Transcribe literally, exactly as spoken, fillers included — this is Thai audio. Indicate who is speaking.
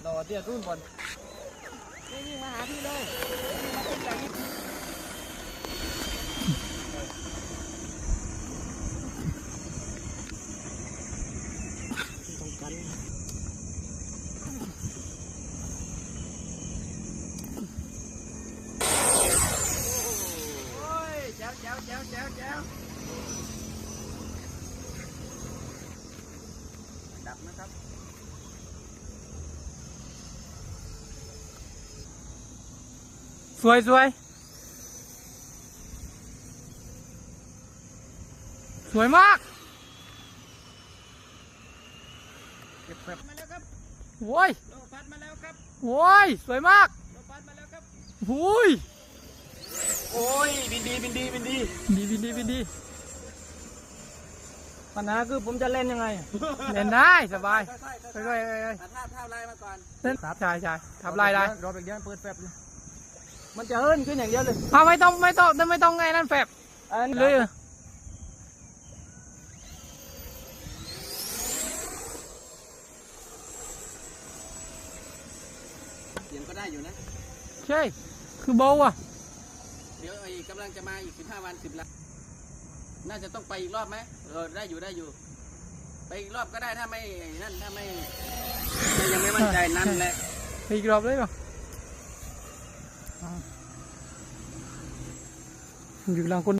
Speaker 1: รอเตี้ยรุ่นบอลนี่วิ่งมาหาพี่เลยวิ่งมาขึ้นจากนี้ต้องกันโอ้ยแจ๋วแจ๋วแจ๋วแจ๋วแจ๋วดับนะครับ
Speaker 2: สวยสวยสวยมาก
Speaker 1: เก็บแบบมาแล้วครับ
Speaker 2: โว้ย
Speaker 1: โลพัดมาแล้วครับ
Speaker 2: โว้ยสวยมาก
Speaker 1: โลพัดมาแล้วครับ
Speaker 2: โว้ย
Speaker 1: โอ้ยบินดีบินดีบินดี
Speaker 2: ดีบินดีบินดี
Speaker 1: ปัญหาคือผมจะเล่นยังไง
Speaker 2: เล่นได้สบาย
Speaker 1: ค่อยๆค่อยๆตัดภาพภาพลายมาก่อน
Speaker 2: เล่นใช่ใช่ทำลายได้
Speaker 1: รอไปเดี๋ยวเปิดแฟบเลยมันจะเฮิร์นขึ้นอย่างเดียวเลย
Speaker 2: เอาไม่ต้องไม่ต้องไม่ต้องไงนั่นแฟบเลย
Speaker 1: เสียงก็ได้อยู่นะ
Speaker 2: ใช่คือเบาอ่ะ
Speaker 1: เดี๋ยวไอ้กำลังจะมาอีกสิบห้าวันสิบละน่าจะต้องไปอีกรอบไหมเออได้อยู่ได้อยู่ไปอีกรอบก็ได้ถ้าไม่นั่นถ้าไม่ยังไม่มั่นใจนั่นแหละ
Speaker 2: อีกรอบเลยป่ะอยู่หลังคน